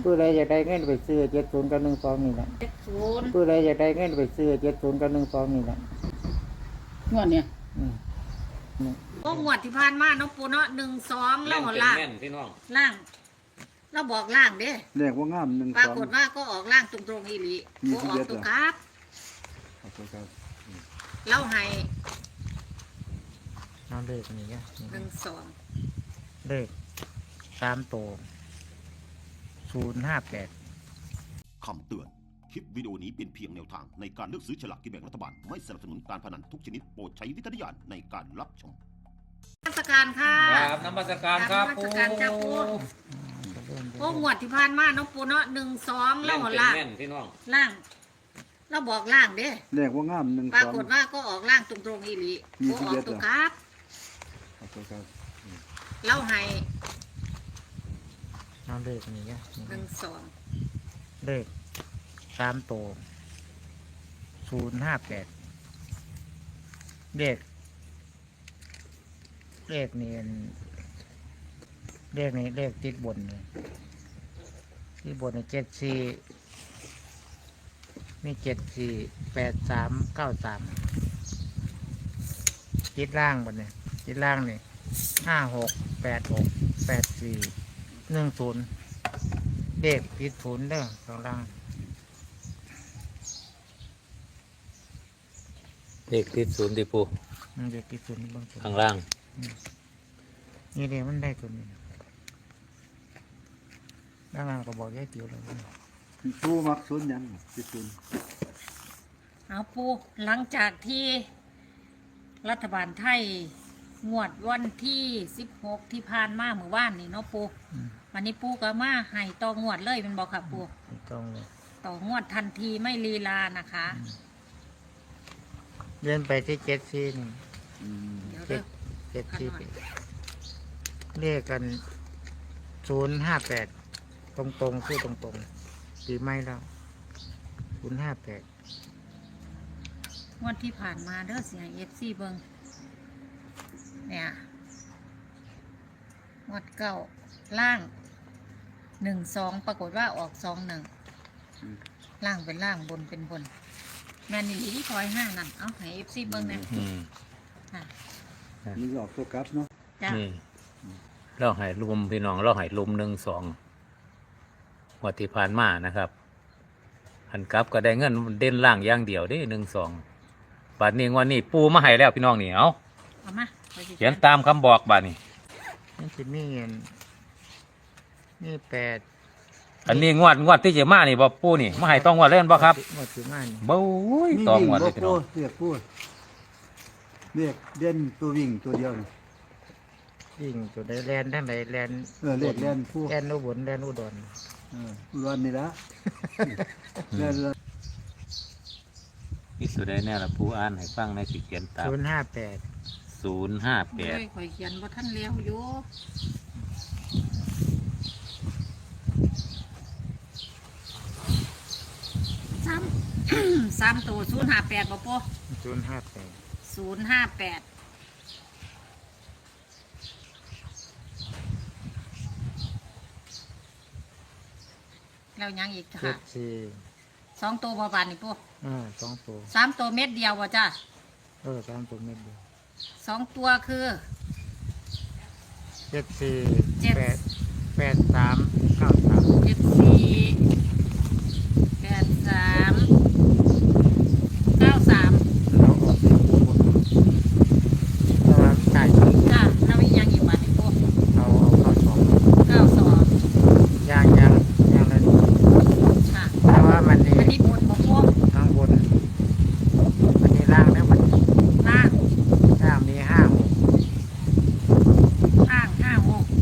ผู้ใดอยากได้เงินไปซื้อ70กับ12นี่แหละ 70 ผู้ใดอยากได้เงินไปซื้อ70กับ12นี่แหละงวดเนี่ยอืมโอ้งวดที่ผ่านมาเนาะปูเนาะ1 2แล้วล่างพี่น้องล่างเราบอกล่างเด้เลขว่างาม1 2 ปรากฏว่าก็ออกล่างตรงๆอีหลีบ่ออกตัวครับเราให้เอาเลขนี่ 1 2 เลข3ตัว058 คำเตือน คลิปวิดีโอนี้เป็นเพียงแนวทางในการเลือกซื้อฉลากกินแบ่งรัฐบาล ไม่สนับสนุนการพนันทุกชนิดโปรดใช้วิจารณญาณในการรับชมนมัสการค่ะครับนมัสการครับปูโอ้งวดที่ผ่านมาเนาะปูเนาะ1 2แล้วล่างพี่น้องล่างเราบอกล่างเด้เลขว่างาม1 2 ปรากฏว่าก็ออกล่างตรงๆอีหลีบ่ออกตัวครับเราให้เอาเลขนี่ 1 2 เลข3ตัว058เลขนี่เลขติดบนเลยที่บนเนี่ย74มี748393ติดล่างบนเนี่ยติดล่างนี่56868410เลขติดศูนย์เด้อข้างล่างเลขติดศูนย์ดิปูเลขติดศูนย์บางส่วนข้างล่างนี่เลยมันได้ตัวนี้ด้านล่างก็บอกแยกเดียวเลยปูมักศูนย์ยังติดศูนย์เอาปูหลังจากที่รัฐบาลไทยงวดวันที่16ที่ผ่านมาเมื่อวานนี่เนาะปูวันนี้ปูก็มาให้ต่องวดเลยเป็นบอกค่ะปูต่องวดทันทีไม่ลีลานะคะเลื่อนไปที่74นี่74เลขกัน058ตรงๆคือตรงๆปีไม่แล้ว058 งวดที่ผ่านมาเด้อเสียงFCเบิ่งเนี่ยงวดเก่าล่าง1 2ปรากฏว่าออก2 1ล่างเป็นล่างบนเป็นบนแม่นี่ที่คอย5นั่นเอาให้ FC เบิ่งนะมีออกตัวกลับเนาะจ้ะเราให้ลุมพี่น้องเราให้ลุม1 2งวดที่ผ่านมานะครับหันกลับก็ได้เงินเด่นล่างอย่างเดียวเด้1 2บัดนี้งวดนี้ปูมาให้แล้วพี่น้องนี่เอามาเขียนตามคำบอกบัดนี้นี่จะมีเงินนี่8 อันนี้งวดที่จะมานี่บ่ปูนี่มาให้ต้องงวดเล่นบ่ครับงวดที่มานี่บ่ยต้องงวดเลยพี่น้องเรียกปูเรียกเด่นตัววิ่งตัวเดียวนี่วิ่งตัวใดแลนทั้งใดแลนเรียกแลนผู้แลนอุบลแลนอุดรอุดรนี่ละแลนนี่สุดได้แน่ละปูอ่านให้ฟังในสิเขียนตาม 058 ข่อยเขียนบ่ทันแล้วอยู่3ตัว058บ่ปู058แล้วยังอีกค่ะ2ตัวบ่บานนี่ปู 2ตัว 3ตัวเม็ดเดียวบ่จ้ะ 3ตัวเม็ดเดียว 2ตัวคือเราออกเราจ่ายจ้ะแล้วยังอีกบาทนี่ปูเอา 92 ยังเลยค่ะเพราะว่ามันนี่บนบ่ปูข้างบนมันนี่ล่างแล้วมันล่างมี56 ล่าง56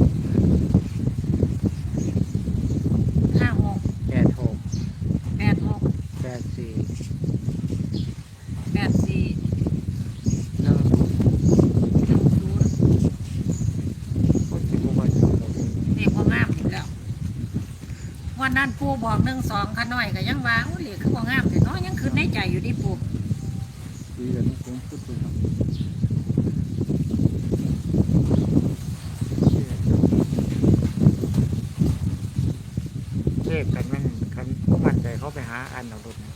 วันนั้นปูบอก1 2ขาน้อยก็ยังว่าโอ้เหล็กคือบ่งามแต่น้อยยังคืนในใจอยู่ดิปูดีกันนี่ผมพูดถูกเลขกันมันกันผู้มั่นใจเขาไปหาอันเอารถนะ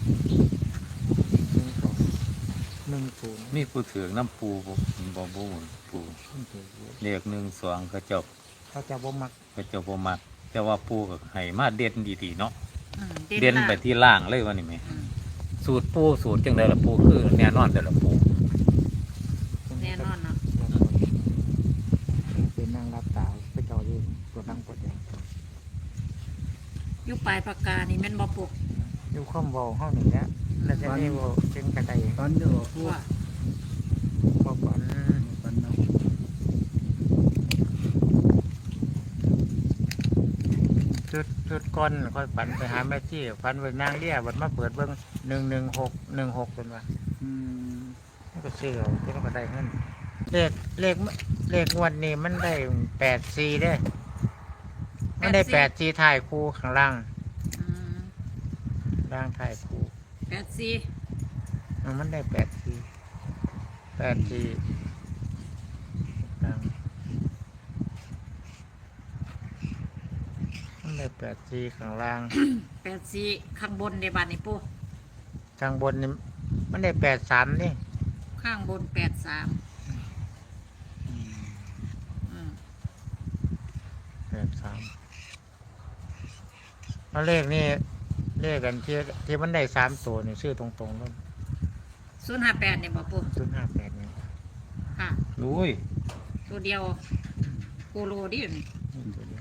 1 2 1 0 มีผู้ถือน้ำปูบ่ปูเลข1 2เขาเจ้าเขาจะบ่มักบ่มักแต่ว่าปูก็ให้มาเด่นดีๆเนาะอืมเด่นไปที่ล่างเลยว่านี่แม่สูตรปูสูตรจังไดล่ะปูคือแน่นอนแต่ละปูแน่นอนเนาะเป็นนางรับตาไปเจ้าอยู่ตัวนั่งปวดแดงอยู่ปลายปากกานี่แม่นบ่ปูอยู่ข้อมเบาห้องนี่แหละแล้วจะนี่ว่าจึงกระไดตอนเดียวพวกว่าบ่ฝันปันเนาะจุดก้อนค่อยฝันไปหาแม่จี้ฝันไปนางเลี้ยบัดมาเปิดเบิ่ง116เป็นว่าอืมมันก็ซื้อเอาก็ได้เงินเลขงวดนี้มันได้84เด้มันได้84ถ่ายคู่ข้างล่างอืมล่างถ่ายคู่ 84 มันได้84ล่างมันได้84ข้างล่าง 84ข้างบนในบ้านนี่ปูข้างบนนี่มันได้83นี่ข้างบน83อืม 83แล้วเลขนี่เลขกันที่มันได้3ตัวนี่ซื้อตรงๆแล้ว 058นี่บ่ปู 058นี่ค่ะอุ้ยตัวเดียวโคโลดิอยู่นี่ตัวเดียว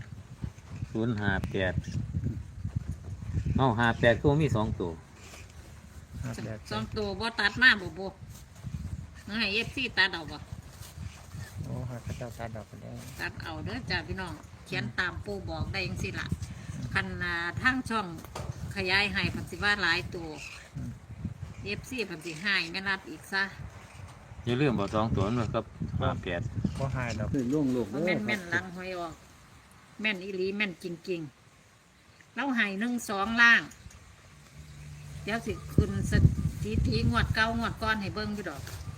05858ก็มี2ตัวสองตัวบ่ตัดมาบ่ปูให้ FC ตัดเอาบ่โอ้เขาเจ้าตัดดอกกันได้ตัดเอาเด้อจ้าพี่น้องเขียนตามปูบอกได้จังซี่ล่ะคันทางช่องขยายให้เพันสิว่าหลายตัวFC เพันสิให้แม่นัดอีกซะอย่าลืมบอก2ตัวนั่นครับ58 ก็หายดอกคือล่วงโลกเพราะแม่นแม่นหลังหอยออก แม่นอีหลีแม่นจริงๆแล้วให้1 2ล่าง เดี๋ยวสิขึ้นสถิติงวดเก่างวดก้อนให้เบิ่งอยู่ดอก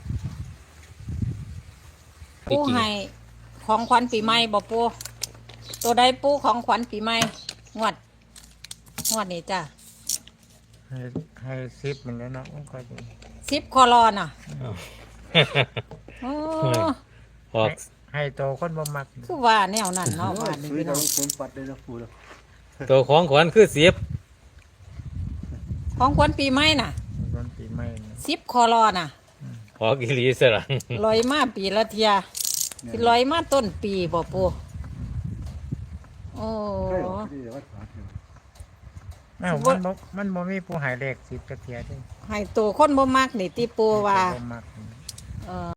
ปูให้ของขวัญปีใหม่บ่ปูตัวใดปูของขวัญปีใหม่งวดนี้จ้ะให้10มันแล้วเนาะมันก็ดี 10คอรอน่ะโอ้ออกให้โตคนบ่มักคือว่าแนวนั้นเนาะว่านี่ซื้อพี่เราน้องผมปัดได้แล้วพูดแล้วตัวของขวัญคือ10 ของขวัญปีใหม่น่ะมันปีใหม่นี่ 10คอรอน่ะออกอีหลีซะล่ะลอยมาปีละเทียสิลอยมาต้นปีบ่ปูโอ้ใช่หรอที่วัดผาเถอะอ้าวมันบ่มีผู้ใหายเลข10จักเที่ยเด้ให้ตัวคนบ่มักนี่ติปูว่าบ่มักเออ